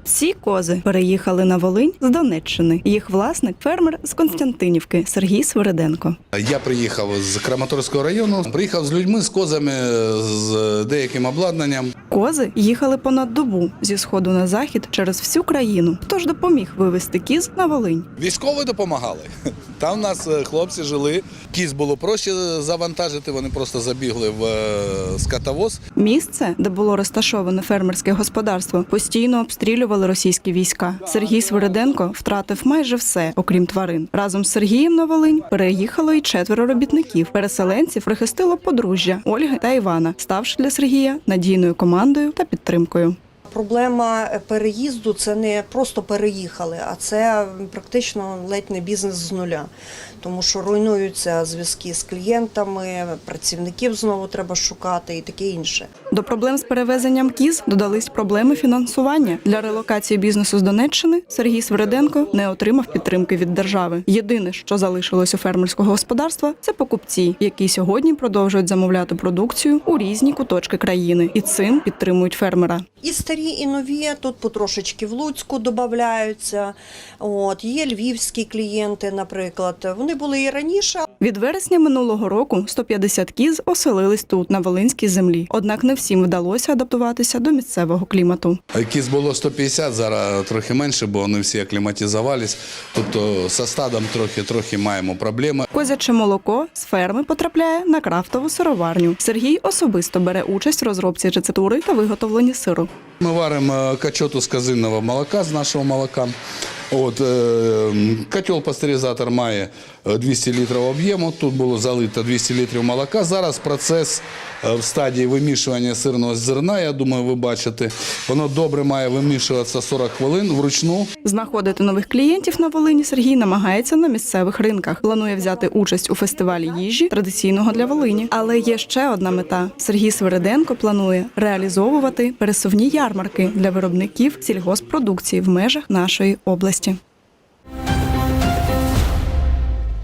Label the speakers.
Speaker 1: Всі кози переїхали на Волинь з Донеччини. Їх власник – фермер з Константинівки Сергій Свириденко.
Speaker 2: Я приїхав з Краматорського району, приїхав з людьми, з козами, з деяким обладнанням.
Speaker 1: Кози їхали понад добу зі сходу на захід через всю країну. Хто ж допоміг вивезти кіз на Волинь?
Speaker 2: Військові допомагали. Там у нас хлопці жили. Кіз було проще завантажити, вони просто забігли в скотовоз.
Speaker 1: Місце, де було розташоване фермерське господарство, постійно обстрілювали російські війська. Сергій Свириденко втратив майже все, окрім тварин. Разом з Сергієм на Волинь переїхало і 4 робітників. Переселенців прихистило подружжя Ольги та Івана, ставши для Сергія надійною командою та підтримкою.
Speaker 3: Проблема переїзду – це не просто переїхали, а це практично ледь не бізнес з нуля. Тому що руйнуються зв'язки з клієнтами, працівників знову треба шукати і таке інше.
Speaker 1: До проблем з перевезенням кіз додались проблеми фінансування. Для релокації бізнесу з Донеччини Сергій Свириденко не отримав підтримки від держави. Єдине, що залишилось у фермерського господарства – це покупці, які сьогодні продовжують замовляти продукцію у різні куточки країни. І цим підтримують фермера.
Speaker 3: І старі, і нові, тут потрошечки в Луцьку додаються. Є львівські клієнти, наприклад. Вони були і раніше.
Speaker 1: Від вересня минулого року 150 кіз оселились тут, на волинській землі. Однак не всім вдалося адаптуватися до місцевого клімату.
Speaker 2: Кіз було 150, зараз трохи менше, бо вони всі акліматизувалися. Тобто зі стадом трохи маємо проблеми.
Speaker 1: Козяче молоко з ферми потрапляє на крафтову сироварню. Сергій особисто бере участь в розробці рецептури та виготовленні сиру.
Speaker 2: Ми варимо качоту з козиного молока, з нашого молока. Котел-пастеризатор має 200 літрів об'єму, тут було залито 200 літрів молока. Зараз процес в стадії вимішування сирного зерна, я думаю, ви бачите. Воно добре має вимішуватися 40 хвилин вручну.
Speaker 1: Знаходити нових клієнтів на Волині Сергій намагається на місцевих ринках. Планує взяти участь у фестивалі їжі, традиційного для Волині. Але є ще одна мета. Сергій Свириденко планує реалізовувати пересувні ярмарки для виробників сільгосппродукції в межах нашої області.